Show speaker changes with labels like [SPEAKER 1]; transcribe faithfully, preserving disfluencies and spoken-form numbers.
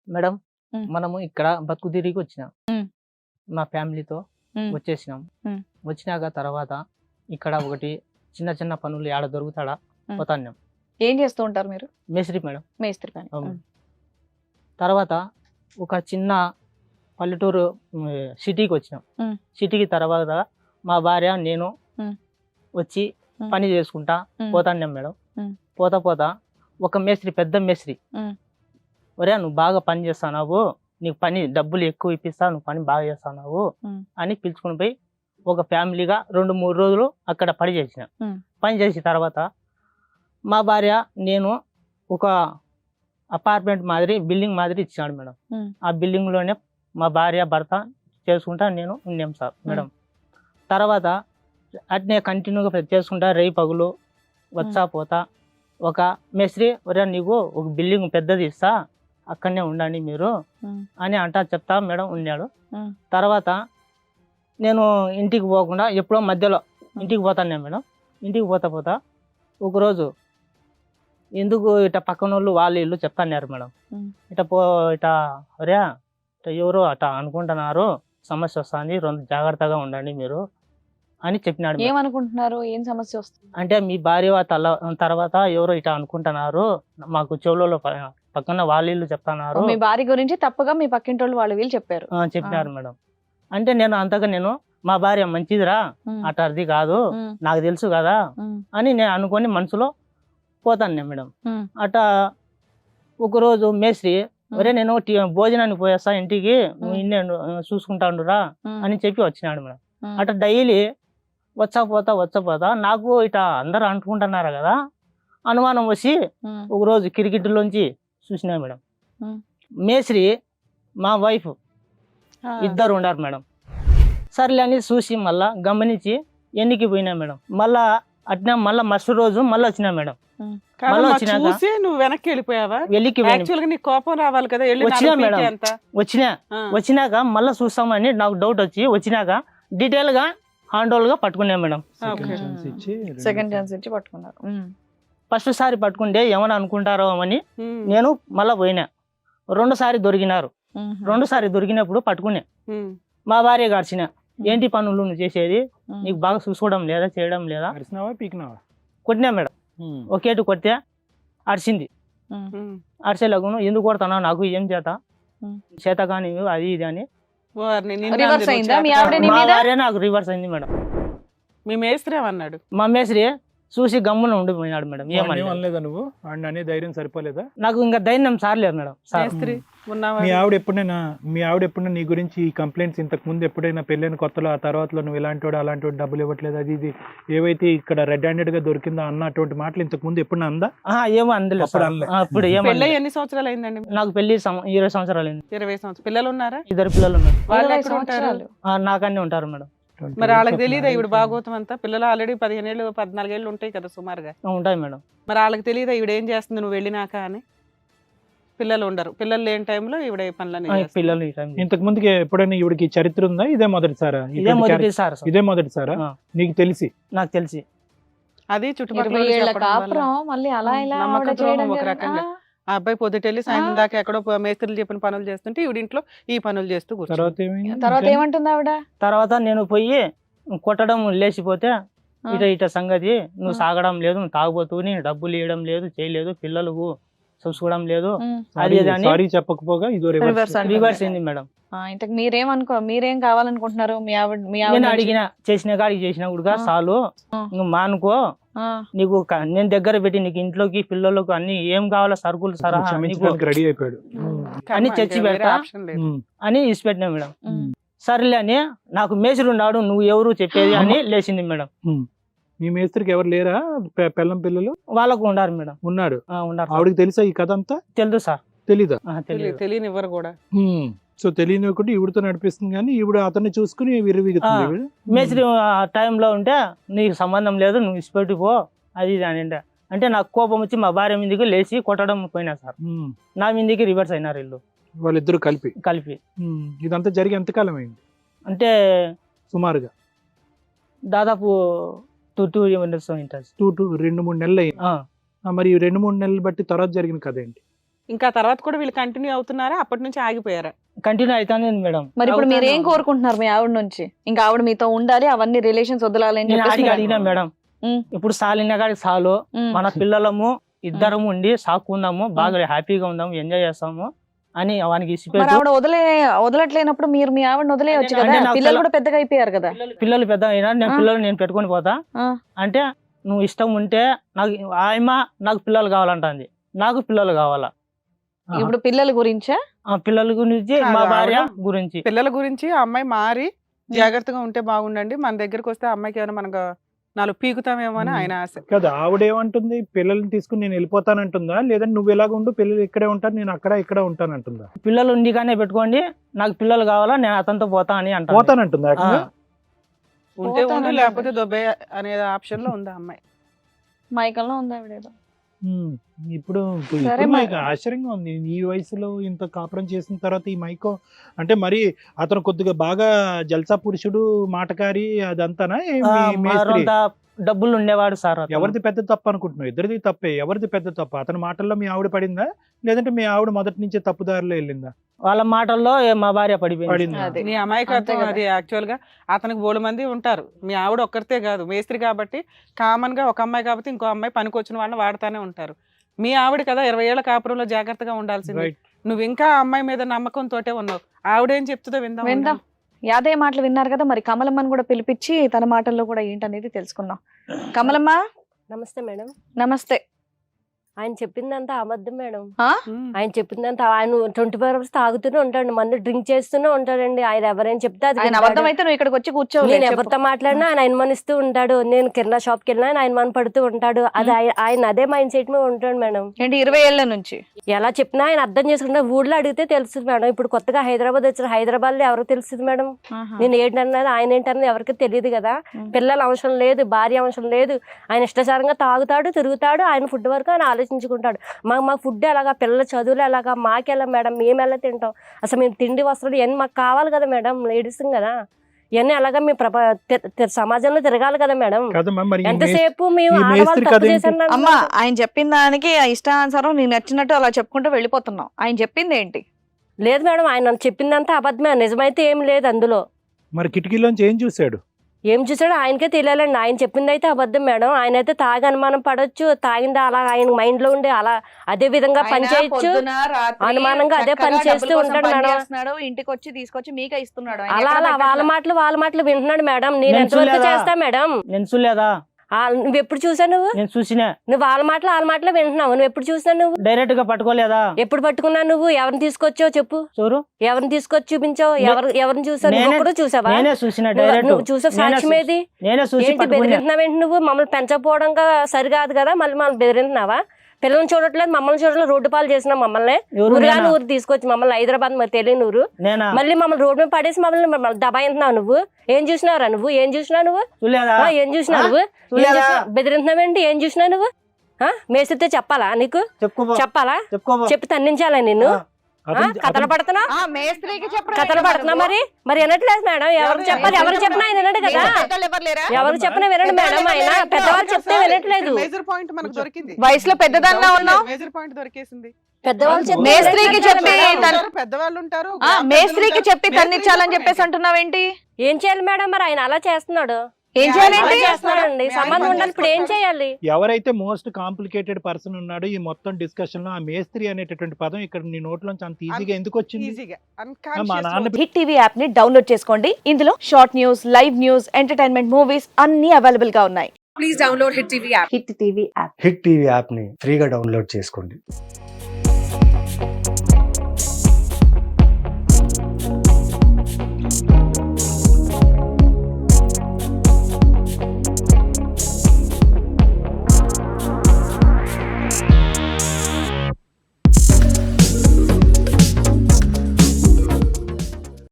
[SPEAKER 1] Madam
[SPEAKER 2] హ్మ్.
[SPEAKER 1] మనము ఇక్కడ బతుకు తిరిగి వచ్చినాం.
[SPEAKER 2] హ్మ్.
[SPEAKER 1] మా ఫ్యామిలీతో
[SPEAKER 2] హ్మ్.
[SPEAKER 1] వచ్చేసినాం.
[SPEAKER 2] హ్మ్.
[SPEAKER 1] వచ్చినాక తర్వాత ఇక్కడ ఒకటి చిన్న చిన్న పనులు యాడ దొరుకుతాడా
[SPEAKER 2] హ్మ్.
[SPEAKER 1] పోతాన్నాం.
[SPEAKER 2] ఏం చేస్తూ ఉంటారు మీరు?
[SPEAKER 1] మేస్త్రి మేడం.
[SPEAKER 2] మేస్త్రి పని.
[SPEAKER 1] అవును.
[SPEAKER 2] హ్మ్.
[SPEAKER 1] తర్వాత ఒక చిన్న పల్లెటూరు హ్మ్, సిటీకి వచ్చినాం.
[SPEAKER 2] హ్మ్.
[SPEAKER 1] సిటీకి తర్వాత మా భార్య నేను
[SPEAKER 2] హ్మ్.
[SPEAKER 1] వచ్చి
[SPEAKER 2] హ్మ్.
[SPEAKER 1] పని చేసుకుంటా
[SPEAKER 2] హ్మ్.
[SPEAKER 1] పోతాన్నాం మేడం.
[SPEAKER 2] హ్మ్.
[SPEAKER 1] పోతా పోతా ఒక మేస్త్రి పెద్ద మేస్త్రి
[SPEAKER 2] హ్మ్.
[SPEAKER 1] ఒరే నువ్వు బాగా పని చేస్తున్నావు, నీకు పని డబ్బులు ఎక్కువ ఇప్పిస్తా, నువ్వు పని బాగా చేస్తున్నావు
[SPEAKER 2] హ్మ్.
[SPEAKER 1] అని పిలుచుకుని పోయి ఒక ఫ్యామిలీగా రెండు మూడు రోజులు అక్కడ పని చేసిన.
[SPEAKER 2] హ్మ్.
[SPEAKER 1] పని చేసిన తర్వాత మా భార్య నేను ఒక అపార్ట్మెంట్ మాదిరి బిల్డింగ్ మాదిరి ఇచ్చినాడు మేడం.
[SPEAKER 2] హ్మ్.
[SPEAKER 1] ఆ బిల్డింగ్లోనే మా భార్య భర్త చేసుకుంటా నేను ఉన్నాం సార్ మేడం. తర్వాత అట్నే కంటిన్యూగా చేసుకుంటా రేయి పగులు వచ్చా పోతా ఒక మేస్త్రి ఒరే నీకు ఒక బిల్డింగ్ పెద్దది ఇస్తా అక్కడనే ఉండండి మీరు
[SPEAKER 2] హ్మ్.
[SPEAKER 1] అని అంటా చెప్తా మేడం ఉన్నాడు.
[SPEAKER 2] హ్మ్.
[SPEAKER 1] తర్వాత నేను ఇంటికి పోకుండా ఎప్పుడో మధ్యలో ఇంటికి పోతాను మేడం. ఇంటికి పోతా పోతా ఒకరోజు ఎందుకు ఇట పక్కన వాళ్ళు వాళ్ళు ఇల్లు చెప్తాన్నారు మేడం.
[SPEAKER 2] హ్మ్.
[SPEAKER 1] ఇట పో ఇట ఒరే ఇట ఎవరో అట అనుకుంటున్నారు, సమస్య వస్తుంది, రెండు జాగ్రత్తగా ఉండండి మీరు అని చెప్పినాడు మేడం.
[SPEAKER 2] ఏమనుకుంటున్నారు? ఏం సమస్య వస్తుంది?
[SPEAKER 1] అంటే మీ భార్య తల తర్వాత ఎవరో ఇట అనుకుంటున్నారు, మాకు చెవులలో ప- పక్కన వాళ్ళ ఇల్లు
[SPEAKER 2] ఓ,
[SPEAKER 1] చెప్తున్నారు
[SPEAKER 2] మీ భార్య గురించి తప్పుగా మీ పక్కింటోళ్ళు వాళ్ళు వీళ్ళు చెప్పారు.
[SPEAKER 1] ఆ, చెప్పినారు మేడం. అంటే నేను అంతగా నేను మా భార్య మంచిదిరా
[SPEAKER 2] హ్మ్.
[SPEAKER 1] అట అది కాదు
[SPEAKER 2] హ్మ్.
[SPEAKER 1] నాకు తెలుసు కదా
[SPEAKER 2] హ్మ్.
[SPEAKER 1] అని నేను అనుకొని మనసులో పోతాను నేను మేడం.
[SPEAKER 2] హ్మ్.
[SPEAKER 1] అట ఒకరోజు మేస్త్రి ఒరే నేను టి- భోజనానికి పోయేస్తా ఇంటికి నువ్వు ఇన్నే ఉండు, ఆ, చూసుకుంటా ఉండురా
[SPEAKER 2] హ్మ్.
[SPEAKER 1] అని చెప్పి వచ్చినాడు మేడం.
[SPEAKER 2] హ్మ్.
[SPEAKER 1] అట డైలీ వచ్చా పోతా వచ్చా పోతా నాకు ఇట అందరూ అంటుకుంటున్నారు కదా అనుమానం వచ్చి
[SPEAKER 2] హ్మ్.
[SPEAKER 1] ఒకరోజు కిరికిట్లోంచి చూసినా మేడం.
[SPEAKER 2] హ్మ్.
[SPEAKER 1] మేస్త్రి మా వైఫ్
[SPEAKER 2] ఆ.
[SPEAKER 1] ఇద్దరు ఉన్నారు మేడం. సర్లే అని చూసి మళ్ళా గమనించి ఎన్నికి పోయినా మేడం. మళ్ళా అట్నా మళ్ళా మస్తు రోజు మళ్ళీ వచ్చినా మేడం.
[SPEAKER 2] హ్మ్.
[SPEAKER 1] మళ్ళీ
[SPEAKER 3] కాదమ్మా,
[SPEAKER 1] వచ్చినాక
[SPEAKER 3] చూసి నువ్వు వెనక్కి వెళ్ళిపోయావా?
[SPEAKER 1] వెళ్ళికి పోయినా
[SPEAKER 3] యాక్చువల్ గా నీకు కోపం రావాలి కదా, వెళ్ళి
[SPEAKER 1] వచ్చినా
[SPEAKER 3] నాలుగు
[SPEAKER 1] మేడం.
[SPEAKER 3] పీకే అంత.
[SPEAKER 1] వచ్చినా
[SPEAKER 3] ఆ.
[SPEAKER 1] వచ్చినాక మళ్ళీ చూస్తామని నాకు డౌట్ వచ్చి వచ్చినాక డీటెయిల్ గా హ్యాండ్ ఓవర్ గా పట్టుకున్నా మేడం.
[SPEAKER 3] ఓకే.
[SPEAKER 2] సెకండ్ ఛాన్స్ ఇచ్చి పట్టుకున్నారు. హ్మ్.
[SPEAKER 1] ఫస్ట్ సారి పట్టుకుంటే ఏమని అనుకుంటారో అని
[SPEAKER 3] ఉమ్.
[SPEAKER 1] నేను మళ్ళీ పోయినా. రెండు సారి దొరికినారు.
[SPEAKER 2] హ్మ్.
[SPEAKER 1] రెండు సారి దొరికినప్పుడు పట్టుకునే
[SPEAKER 3] ఉమ్.
[SPEAKER 1] మా భార్య గడిచిన ఏంటి పనులు నువ్వు చేసేది,
[SPEAKER 2] హ్మ్.
[SPEAKER 1] నీకు బాగా చూసుకోవడం లేదా చేయడం లేదా
[SPEAKER 4] అరిసినావా పీకినావా?
[SPEAKER 1] కొట్టినా మేడం. ఒకేటి కొడితే అరిచింది.
[SPEAKER 2] హ్మ్.
[SPEAKER 3] ఉమ్.
[SPEAKER 1] అరిసేలాగును ఎందుకు కొడతానా నాకు ఏం చేత
[SPEAKER 2] హ్మ్.
[SPEAKER 1] చేత కానీ అది ఇది అని
[SPEAKER 3] వారిని నిన్ను
[SPEAKER 2] రివర్స్
[SPEAKER 3] అంది, నువ్వు
[SPEAKER 2] అయిందా మీ
[SPEAKER 3] చేత
[SPEAKER 2] ఆవిడ నీ
[SPEAKER 3] కాదు.
[SPEAKER 1] మా
[SPEAKER 2] మీద?
[SPEAKER 1] భార్య నాకు రివర్స్ అయింది మేడం.
[SPEAKER 3] మీ మేస్త్రి ఏమన్నాడు?
[SPEAKER 1] మా మేస్త్రి చూసి గమ్మున ఉండిపోయినాడు మేడం.
[SPEAKER 4] వాడిని
[SPEAKER 1] ఏమని
[SPEAKER 4] ఏం అనలేదా నువ్వు? వాడిని అనే ధైర్యం సరిపోలేదా?
[SPEAKER 1] నాకు ఇంకా ధైర్యం సార్లేదు మేడం. సార్
[SPEAKER 3] మేస్త్రి ఉన్నావా?
[SPEAKER 4] మీ ఆవిడ ఎప్పుడైనా మీ ఆవిడ ఎప్పుడైనా నీ గురించి ఈ కంప్లైంట్స్ ఇంతకు ముందు ఎప్పుడైనా పెళ్ళైన కొత్తలో ఆ తర్వాతలో నువ్వు ఇలాంటి వాడు అలాంటి వాడు డబ్బులు ఇవ్వట్లేదు అది ఇది ఏవైతే ఇక్కడ రెడ్ హ్యాండెడ్ గా దొరికిందో అన్న అటువంటి మాటలు ఇంతకు ముందు ఎప్పుడైనా అందా?
[SPEAKER 1] ఆహా, ఏమో అందలేదు
[SPEAKER 4] అప్పుడు
[SPEAKER 1] సార్.
[SPEAKER 4] అనలే.
[SPEAKER 1] ఆ, ఇప్పుడు
[SPEAKER 3] పెళ్ళై
[SPEAKER 1] ఏమన్నా
[SPEAKER 3] ఎన్ని సంవత్సరాలు అయిందండి?
[SPEAKER 1] నాకు పెళ్లి సం- ఇరవై సంవత్సరాలు అయింది.
[SPEAKER 3] ఇరవై సంవత్సరాలు. పిల్లలు ఉన్నారా?
[SPEAKER 1] ఇద్దరు పిల్లలు ఉన్నారు.
[SPEAKER 3] వాళ్ళు
[SPEAKER 2] ఇరవై
[SPEAKER 3] ఎక్కడ ఉంటారు?
[SPEAKER 2] సంవత్సరాలు.
[SPEAKER 1] ఆ, నాకన్నీ ఉంటారు మేడం.
[SPEAKER 3] మరి వాళ్ళకి తెలియదా ఈవిడ భాగవతం అంతా? పిల్లలు ఆల్రెడీ పదిహేను ఏళ్ళు పద్నాలుగేళ్ళు ఉంటాయి కదా సుమారుగా.
[SPEAKER 1] ఆ, ఉంటాయి మేడం.
[SPEAKER 3] మరి వాళ్ళకి తెలియదా ఈవిడ ఏం చేస్తుంది నువ్వు వెళ్ళినాక అని? పిల్లలు ఉండరు, పిల్లలు లేని టైంలో ఈవిడ ఏ పనులని
[SPEAKER 1] ఆ,
[SPEAKER 3] చేస్తుంది?
[SPEAKER 1] పిల్లలు ఈ టైం
[SPEAKER 4] ఇంతకు ముందుకి ఎప్పుడైనా ఈవిడికి చరిత్ర ఉందా? ఇదే మొదటిసారా?
[SPEAKER 1] ఇదే
[SPEAKER 4] ఇటువంటి
[SPEAKER 1] మొదటి
[SPEAKER 4] క్యారెక్టర్-
[SPEAKER 1] సార్ సార్.
[SPEAKER 4] ఇదే మొదటిసారా
[SPEAKER 1] ఆ,
[SPEAKER 4] నీకు తెలిసి?
[SPEAKER 1] నాకు తెలిసి
[SPEAKER 3] అది చుట్టుపక్కల
[SPEAKER 2] ఇరవై
[SPEAKER 3] వాళ్ళు
[SPEAKER 2] ఏళ్ల
[SPEAKER 3] చెప్పడం వల్ల.
[SPEAKER 2] కాపురం మళ్ళీ అలా ఇలా
[SPEAKER 3] నమ్మక
[SPEAKER 2] ఆవిడ
[SPEAKER 3] ద్రోహం
[SPEAKER 2] చేయడం
[SPEAKER 3] ఒక
[SPEAKER 2] జరిగింది.
[SPEAKER 3] రకంగా.
[SPEAKER 2] ఆ.
[SPEAKER 3] ఆ అబ్బాయి పొద్దుటెళ్ళి సాయంత్రం
[SPEAKER 2] ఆ.
[SPEAKER 3] దాకా ఎక్కడో ప- మేస్త్రీలు చెప్పిన పనులు చేస్తుంటే ఈవిడ ఇంట్లో ఈ పనులు చేస్తూ కూర్చో.
[SPEAKER 4] తర్వాత ఏమైంది?
[SPEAKER 2] తర్వాత
[SPEAKER 4] ఇంకా?
[SPEAKER 2] ఏమంటుంది ఆవిడ?
[SPEAKER 1] తర్వాత నేను పోయి కొట్టడం లేచిపోతే
[SPEAKER 2] ఆ.
[SPEAKER 1] ఇట ఇట సంగతి నువ్వు
[SPEAKER 2] ఆ.
[SPEAKER 1] సాగడం లేదు, నువ్వు తాగుబోతుని డబ్బులు ఇవ్వడం లేదు, చేయలేదు, పిల్లలకు చూసుకోవడం లేదు,
[SPEAKER 2] ఉమ్.
[SPEAKER 1] అది ఇది అని
[SPEAKER 4] సారీ చెప్పకపోగా ఇదో
[SPEAKER 2] Reverse
[SPEAKER 4] రివర్స్.
[SPEAKER 2] అంటుంది.
[SPEAKER 1] రివర్స్ అయింది మేడం.
[SPEAKER 2] ఆ, ఇంతకు మీరేం అనుకో మీరేం కావాలనుకుంటున్నారు? మీ ఆవిడ మీ ఆవిడ
[SPEAKER 1] నేను
[SPEAKER 2] నుంచి?
[SPEAKER 1] అడిగిన చేసిన కాడికి చేసిన కూడా
[SPEAKER 2] ఆ.
[SPEAKER 1] చాలు,
[SPEAKER 2] ఆ.
[SPEAKER 1] నువ్వు మానుకో,
[SPEAKER 2] ఆ.
[SPEAKER 1] నీకు క- నేను దగ్గర పెట్టి నీకు ఇంట్లోకి పిల్లలకు అన్ని ఏం కావాలో సరుకులు సరహా నీకు
[SPEAKER 4] క్షమించడానికి రెడీ అయిపోయాడు.
[SPEAKER 3] కర్మ,
[SPEAKER 1] అన్ని
[SPEAKER 3] ఇంకా
[SPEAKER 1] చచ్చి
[SPEAKER 3] వేరే
[SPEAKER 1] పెడతా.
[SPEAKER 3] ఆప్షన్ లేదు.
[SPEAKER 4] ఉమ్.
[SPEAKER 1] అని ఇసిపెట్టినా మేడం.
[SPEAKER 2] ఉమ్.
[SPEAKER 1] సర్లే అని నాకు మేసుడు ఉన్నాడు, నువ్వు ఎవరు చెప్పేది అని లేచింది మేడం.
[SPEAKER 4] ఉమ్. మీ మేస్త్రికి ఎవరు లేరా? పె- పెళ్ళం పిల్లలు
[SPEAKER 1] వాళ్ళకు ఉండారు మేడం.
[SPEAKER 4] ఉన్నాడు.
[SPEAKER 1] ఆ, ఉండారు సార్.
[SPEAKER 4] ఆవిడకి తెలుసా ఈ కథ అంతా?
[SPEAKER 1] తెలుదు సార్.
[SPEAKER 4] తెలీదా?
[SPEAKER 1] ఆ,
[SPEAKER 3] తెలియదు,
[SPEAKER 1] తెలియదు.
[SPEAKER 3] తెలియని ఎవరు కూడా.
[SPEAKER 4] సో తెలియని ఒకటి ఈవిడతో నడిపిస్తుంది కానీ ఈవిడ అతన్ని చూసుకుని విరివిగుతుంది.
[SPEAKER 1] ఆ.
[SPEAKER 4] ఈవిడ.
[SPEAKER 1] మేస్త్రి ఆ టైంలో ఉంటే నీకు సంబంధం లేదు, నువ్వు ఇసిపెట్టి పో, అది ఇది అని అంటే అంటే నాకు కోపం వచ్చి మా భార్య మీదకి లేచి కొట్టడం పోయినా సార్.
[SPEAKER 4] ఉమ్.
[SPEAKER 1] నా మీదకి రివర్స్ అయినారు వీళ్ళు
[SPEAKER 4] వాళ్ళిద్దరు కలిపి.
[SPEAKER 1] కలిపి.
[SPEAKER 4] ఉమ్. ఇదంతా జరిగి ఎంతకాలం అయింది
[SPEAKER 1] అంటే
[SPEAKER 4] సుమారుగా?
[SPEAKER 1] దాదాపు టూ టూ ఇయర్స్ ఉంటుంది.
[SPEAKER 4] టూ టూ రెండు మూడు నెలలు అయింది. ఆ, మరి ఈ రెండు మూడు నెలలు బట్టి తర్వాత జరిగిన కథ ఏంటి?
[SPEAKER 3] ఇంకా తర్వాత కూడా వీళ్ళు కంటిన్యూ అవుతున్నారా, అప్పటి నుంచి ఆగిపోయారా?
[SPEAKER 1] కంటిన్యూ అవుతానే ఉంది మేడం.
[SPEAKER 2] మరి ఇప్పుడు మీరు ఏం
[SPEAKER 3] అవుతాను.
[SPEAKER 2] కోరుకుంటున్నారు మీ ఆవిడ నుంచి? ఇంకా ఆవిడ మీతో ఉండాలి, అవన్నీ రిలేషన్స్ వదలాలి అని
[SPEAKER 1] నేను
[SPEAKER 2] చెప్పేసి
[SPEAKER 1] అడిగి
[SPEAKER 2] మీరు-
[SPEAKER 1] అడిగినా మేడం,
[SPEAKER 2] ఉమ్,
[SPEAKER 1] ఇప్పుడు సాలిన కాడికి చాలు,
[SPEAKER 2] ఉమ్,
[SPEAKER 1] మన పిల్లలము ఇద్దరము ఉండి సాకుందాము, బాగా హ్యాపీగా ఉందాము, ఎంజాయ్ చేస్తాము అని వానికి
[SPEAKER 2] మరి
[SPEAKER 1] ఇచ్చిపెట్టు.
[SPEAKER 2] ఆవిడ వదిలే వదలట్లేనప్పుడు మీరు మీ ఆవిడని వదిలేయచ్చు కదా,
[SPEAKER 1] అంటే నాకు
[SPEAKER 2] పిల్లలు
[SPEAKER 1] తెల-
[SPEAKER 2] కూడా పెద్దగా అయిపోయారు కదా.
[SPEAKER 1] పిల్లలు పెద్ద అయినా నేను
[SPEAKER 2] ఆ.
[SPEAKER 1] పిల్లలు నేను పెట్టుకొని పోతా
[SPEAKER 2] ఆ,
[SPEAKER 1] అంటే, నువ్వు ఇష్టం ఉంటే నాకు ఆయమ నాకు పిల్లలు కావాలంటుంది, నాకు పిల్లలు కావాలా.
[SPEAKER 2] ఇప్పుడు పిల్లల గురించా?
[SPEAKER 1] ఆ పిల్లల గురించి,
[SPEAKER 3] కాదు,
[SPEAKER 1] మా భార్య
[SPEAKER 3] ఆవిడ
[SPEAKER 1] గురించి.
[SPEAKER 3] పిల్లల గురించి ఆ అమ్మాయి మారి జాగ్రత్తగా ఉంటే బాగుండండి, మన దగ్గరకు వస్తే ఆ అమ్మాయికి ఏమైనా మనకు నాలుగు పీకుతామేమో అని
[SPEAKER 4] ఉమ్.
[SPEAKER 3] ఆయన ఆశ.
[SPEAKER 4] కదా ఆవిడేమంటుంది, పిల్లల్ని తీసుకుని నేను వెళ్ళిపోతానంటుందా, లేదంటే నువ్వు ఎలాగ ఉండు, పిల్లలు ఇక్కడే ఉంటారు, నేను అక్కడ ఇక్కడ ఉంటానంటుందా?
[SPEAKER 1] పిల్లలు ఉండిగానే పెట్టుకోండి, నాకు పిల్లలు కావాలా, నేను అతనితో పోతా అని అంటాను.
[SPEAKER 4] పోతానంటుందా
[SPEAKER 1] ఆ,
[SPEAKER 4] ఏకంగా?
[SPEAKER 3] ఉంటే ఉండు,
[SPEAKER 2] పోతానండి.
[SPEAKER 3] లేకపోతే దొబ్బే అనే ఆప్షన్ లో ఉంది ఆ అమ్మాయి.
[SPEAKER 2] మైకంలో ఉంది ఆవిడ ఏదో.
[SPEAKER 4] ఉమ్, ఇప్పుడు ఇప్పుడు
[SPEAKER 2] సరే
[SPEAKER 4] ఇప్పుడు
[SPEAKER 2] మరి.
[SPEAKER 4] నాకు ఆశ్చర్యంగా ఉంది, ఈ వయసులో ఇంత కాపురం చేసిన తర్వాత ఈ మైకో అంటే మరి అతను కొద్దిగా బాగా జల్సా పురుషుడు, మాటకారి అదంతానా ఏ
[SPEAKER 1] ఆ,
[SPEAKER 4] మీ మేస్త్రి?
[SPEAKER 1] మరొంత డబ్బులు ఉండేవాడు సార్ అతను.
[SPEAKER 4] ఎవరిది పెద్ద తప్పు అనుకుంటున్నావు? ఇద్దరిది తప్పే. ఎవరిది పెద్ద తప్పు? అతని మాటల్లో మీ ఆవిడ పడిందా, లేదంటే మీ ఆవిడ మొదటి నుంచే తప్పుదారిలో వెళ్ళిందా?
[SPEAKER 1] వాళ్ళ మాటల్లో ఏ మా భార్య పడిపోయింది.
[SPEAKER 4] పడిందా?
[SPEAKER 2] అదే.
[SPEAKER 3] నీ
[SPEAKER 2] అంతే
[SPEAKER 3] అమాయకత్వం
[SPEAKER 2] కదా.
[SPEAKER 3] అది. యాక్చువల్ గా అతనికి బోడు మంది ఉంటారు, మీ ఆవిడ ఒక్కరితే కాదు, మేస్త్రి కాబట్టి కామన్ గా ఒక అమ్మాయి కాబట్టి ఇంకో అమ్మాయి పనికి వచ్చిన వాళ్ళని వాడుతానే ఉంటారు. మీ ఆవిడ కదా ఇరవై ఏళ్ల కాపురంలో జాగ్రత్తగా ఉండాల్సింది,
[SPEAKER 4] రైట్.
[SPEAKER 3] నువ్వు ఇంకా ఆ అమ్మాయి మీద నమ్మకం తోటే ఉన్నావు. ఆవిడేం చెప్తుందో విందాం.
[SPEAKER 2] విందాం. యాదయ్య మాటలు విన్నారు కదా, మరి కమలమ్మని కూడా పిలిపించి తన మాటల్లో కూడా ఏంటనేది తెలుసుకుందాం. కమలమ్మ
[SPEAKER 5] నమస్తే మేడం.
[SPEAKER 2] నమస్తే.
[SPEAKER 5] ఆయన చెప్పిందంతా అబద్ధం మేడం.
[SPEAKER 2] ఆ?
[SPEAKER 3] ఉమ్.
[SPEAKER 5] ఆయన చెప్పిందంతా ఆయన ట్వంటీ ఫోర్ అవర్స్ తాగుతూనే ఉంటాడు, మందు డ్రింక్ చేస్తూనే ఉంటాడండి. ఆయన ఎవరైనా చెప్తే అది
[SPEAKER 2] ఆయన
[SPEAKER 5] వింటాడు.
[SPEAKER 2] అబద్ధం అయితే నువ్వు ఇక్కడికి వచ్చి కూర్చోవు.
[SPEAKER 5] నేను ఎవరితో మాట్లాడినా ఆయన అనుమానిస్తూ ఉంటాడు. నేను కిరాణా షాప్కి వెళ్ళినా ఆయన అనుమాన పడుతూ ఉంటాడు. అది ఆయ- ఆయన అదే మైండ్ సెట్ మీద ఉంటాడు మేడం.
[SPEAKER 2] ఏంటి ఇరవై ఏళ్ల నుంచి?
[SPEAKER 5] ఎలా చెప్పినా ఆయన అర్థం చేసుకుంటే ఊళ్ళో అడిగితే తెలుస్తుంది మేడం. ఇప్పుడు కొత్తగా హైదరాబాద్ వచ్చారు, హైదరాబాద్ లో ఎవరికి తెలుస్తుంది మేడం?
[SPEAKER 2] ఆహా.
[SPEAKER 5] నేను ఏంటన్నది ఆయన ఏంటన్నది ఎవరికి తెలియదు కదా.
[SPEAKER 2] ఉమ్.
[SPEAKER 5] పిల్లల అవసరం లేదు, భార్య అవసరం లేదు. ఆయన ఇష్టాచారంగా తాగుతాడు, తిరుగుతాడు, ఆయన ఫుడ్ వరకు ఆయన ఆలోచించుకుంటాడు. మాకు మా ఫుడ్ ఎలాగా, పిల్లల చదువులు ఎలాగా, మాకెలా మేడం, మేము ఎలా తింటాం? అసలు మేము తిండి వస్త్రాలు ఇవన్నీ మాకు కావాలి కదా మేడం, లేడీస్ కదా. ఇవన్నీ అలాగా మేము ప్రప తి- తి- సమాజంలో తిరగాలి కదా మేడం.
[SPEAKER 4] కదమ్మా మరి ఈ మేస్త్రి-
[SPEAKER 5] ఎంతసేపు మేము
[SPEAKER 4] ఈ
[SPEAKER 5] ఆడవాళ్ళు
[SPEAKER 4] మేస్త్రి
[SPEAKER 5] తప్పు
[SPEAKER 4] కథ ఏంటి?
[SPEAKER 5] చేశాను
[SPEAKER 2] అమ్మా, ఆయన చెప్పిన దానికి ఆ ఇష్టానుసారం నీకు నచ్చినట్టు అలా చెప్పుకుంటూ వెళ్ళిపోతున్నావు. ఆయన చెప్పింది ఏంటి?
[SPEAKER 5] లేదు మేడం, ఆయన చెప్పిందంతా అబద్ధమే, నిజమైతే ఏం లేదు అందులో.
[SPEAKER 4] మరి కిటికీలోంచి ఏం చూశాడు?
[SPEAKER 5] ఏం చూసాడో ఆయనకే తెలియాలండి. ఆయన చెప్పింది అయితే అబద్ధం మేడం. ఆయన అయితే తాగి అనుమానం పడవచ్చు, తాగింది అలా ఆయన మైండ్ లో ఉండి అలా అదే విధంగా పని చేయొచ్చు. అనుమానంగా అదే పని చేస్తూ ఉంటాడు మేడం.
[SPEAKER 2] ఇంటికి వచ్చి తీసుకొచ్చి మీకే ఇస్తున్నాడు. ఆయన
[SPEAKER 5] అలా
[SPEAKER 2] ఎక్కడ
[SPEAKER 5] అలా వాళ్ళ
[SPEAKER 2] పెట్టట్లా.
[SPEAKER 5] మాటలు వాళ్ళ మాటలు వింటున్నాడు మేడం. నేను
[SPEAKER 1] నేను
[SPEAKER 5] ఎంతవరకు
[SPEAKER 1] చూడలేదా?
[SPEAKER 5] చేస్తా మేడం?
[SPEAKER 1] నేను చూడలేదా?
[SPEAKER 5] ఆ, నువ్వు ఎప్పుడు చూసావు? నువ్వు
[SPEAKER 1] నేను చూసినా.
[SPEAKER 5] నువ్వు వాళ్ళ మాటలు వాళ్ళ మాటలు వింటున్నావు. నువ్వు ఎప్పుడు చూసినా? నువ్వు
[SPEAKER 1] డైరెక్ట్ గా పట్టుకోలేదా?
[SPEAKER 5] ఎప్పుడు పట్టుకున్నావు? నువ్వు ఎవరిని తీసుకొచ్చావు చెప్పు?
[SPEAKER 1] చూడు,
[SPEAKER 5] ఎవరిని తీసుకొచ్చి చూపించావు?
[SPEAKER 1] నే-
[SPEAKER 5] ఎవరు ఎవరిని చూసావు? నువ్వు
[SPEAKER 1] నేనే-
[SPEAKER 5] ఒక్కడు చూసావా?
[SPEAKER 1] నేనే చూసిన
[SPEAKER 5] నువ్వు-
[SPEAKER 1] డైరెక్ట్.
[SPEAKER 5] నువ్వు చూసావు?
[SPEAKER 1] నేనే
[SPEAKER 5] సాక్ష్యం
[SPEAKER 1] చూసి-
[SPEAKER 5] ఏది?
[SPEAKER 1] నేనే చూసి
[SPEAKER 5] ఏంటి
[SPEAKER 1] పట్టుకున్నా.
[SPEAKER 5] బెదిరింటున్నావేంటి? నువ్వు మమ్మల్ని పెంచకపోవడం సరికాదు కదా, మళ్ళీ మమ్మల్ని బెదిరింటున్నావా? పిల్లల్ని చూడట్లేదు, మమ్మల్ని చూడట్లేదు, రోడ్డు పాలు చేసిన మమ్మల్ని.
[SPEAKER 1] ఎవరు?
[SPEAKER 5] ఊరుగాని
[SPEAKER 1] నేనా?
[SPEAKER 5] ఊరు తీసుకొచ్చి మమ్మల్ని హైదరాబాద్ మరి తెలియని ఊరు,
[SPEAKER 1] నేనా?
[SPEAKER 5] మళ్ళీ మమ్మల్ని రోడ్డు మీద పడేసి మమ్మల్ని మమ్మల్ని దబాయింటున్నావు. నువ్వు ఏం చూసినావురా? నువ్వు ఏం చూసినావు? నువ్వు
[SPEAKER 1] చూడలేదా?
[SPEAKER 5] ఆ, ఏం చూసినావు?
[SPEAKER 1] ఆ?
[SPEAKER 5] నువ్వు ఏం
[SPEAKER 1] చూడలేదా?
[SPEAKER 5] చూసినావు? బెదిరింటున్నావేంటి? ఏం చూసినావు నువ్వు? ఆ? మేసితే చెప్పాలా నీకు?
[SPEAKER 1] చెప్పుకోబో,
[SPEAKER 5] చెప్పాలా?
[SPEAKER 1] చెప్పుకోబో.
[SPEAKER 5] చెప్పి తన్నించాలా నిన్ను?
[SPEAKER 1] ఆ,
[SPEAKER 5] ఆ?
[SPEAKER 4] అతను-
[SPEAKER 5] కథలు
[SPEAKER 4] అతను-
[SPEAKER 5] పడుతున్నా
[SPEAKER 2] ఆ, మేస్త్రికి చెప్పడం
[SPEAKER 5] కథలు
[SPEAKER 2] ఏంటి
[SPEAKER 5] పడుతున్నా
[SPEAKER 2] నువ్వు?
[SPEAKER 5] మరి మరి వినట్లేదు మేడం. ఎవరు చెప్పాలి? ఎవరు చెప్పినా ఆయన వినడు కదా.
[SPEAKER 2] మీ పెద్దోళ్ళు ఎవరు లేరా?
[SPEAKER 5] ఎవరు చెప్పినా వినడు మేడం. ఆయన పెద్దవాళ్ళు చెప్తే వినట్లేదు.
[SPEAKER 3] మేజర్ పాయింట్ మనకు దొరికింది.
[SPEAKER 2] వయసులో పెద్దదాన్నా ఉన్నావు?
[SPEAKER 3] మేజర్ పాయింట్ దొరికేసింది.
[SPEAKER 5] పెద్దవాళ్ళు చెప్తే
[SPEAKER 2] మేస్త్రికి
[SPEAKER 5] వినట్లేదు
[SPEAKER 2] చెప్పి
[SPEAKER 5] మేడం.
[SPEAKER 2] తన-
[SPEAKER 3] ఉంటారు, పెద్దవాళ్ళు ఉంటారు,
[SPEAKER 2] ఆ,
[SPEAKER 3] గ్రామ
[SPEAKER 2] మేస్త్రికి
[SPEAKER 3] పెద్దలు
[SPEAKER 2] చెప్పి
[SPEAKER 3] ఉంటారు.
[SPEAKER 2] తన్నిచ్చాలని
[SPEAKER 3] మేస్త్రి
[SPEAKER 2] చెప్పేసి అంటున్నావేంటి?
[SPEAKER 5] ఏం చేయాలి మేడం? మరి ఆయన అలా చేస్తున్నాడు.
[SPEAKER 2] ఏం
[SPEAKER 3] మీ
[SPEAKER 2] చేయాలి?
[SPEAKER 3] ఆయన
[SPEAKER 5] అలా
[SPEAKER 3] పని
[SPEAKER 5] చేస్తున్నాడండి.
[SPEAKER 3] చేస్తాడా?
[SPEAKER 5] సంబంధం
[SPEAKER 3] మీ ఆయన
[SPEAKER 5] ఉండాలి. ఇప్పుడు ఏం
[SPEAKER 3] పని
[SPEAKER 5] చేయాలి?
[SPEAKER 4] ఎవరైతే మోస్ట్ కాంప్లికేటెడ్ పర్సన్ ఉన్నాడో ఈ మొత్తం డిస్కషన్ లో, ఆ మేస్త్రి అనేటటువంటి పదం ఇక్కడ నీ నోట్లోంచి అంత ఈజీగా ఎందుకు వచ్చింది?
[SPEAKER 3] ఈజీగా
[SPEAKER 4] మా
[SPEAKER 3] unconscious
[SPEAKER 4] నాన్న
[SPEAKER 3] లో
[SPEAKER 6] హిట్ టీవీ యాప్ ని డౌన్లోడ్ చేసుకోండి. ఇందులో short news, live news, entertainment movies అన్ని అవైలబుల్ గా ఉన్నాయి.
[SPEAKER 7] Hit TV app
[SPEAKER 8] hit TV యాప్ని ఫ్రీగా డౌన్లోడ్ చేసుకోండి.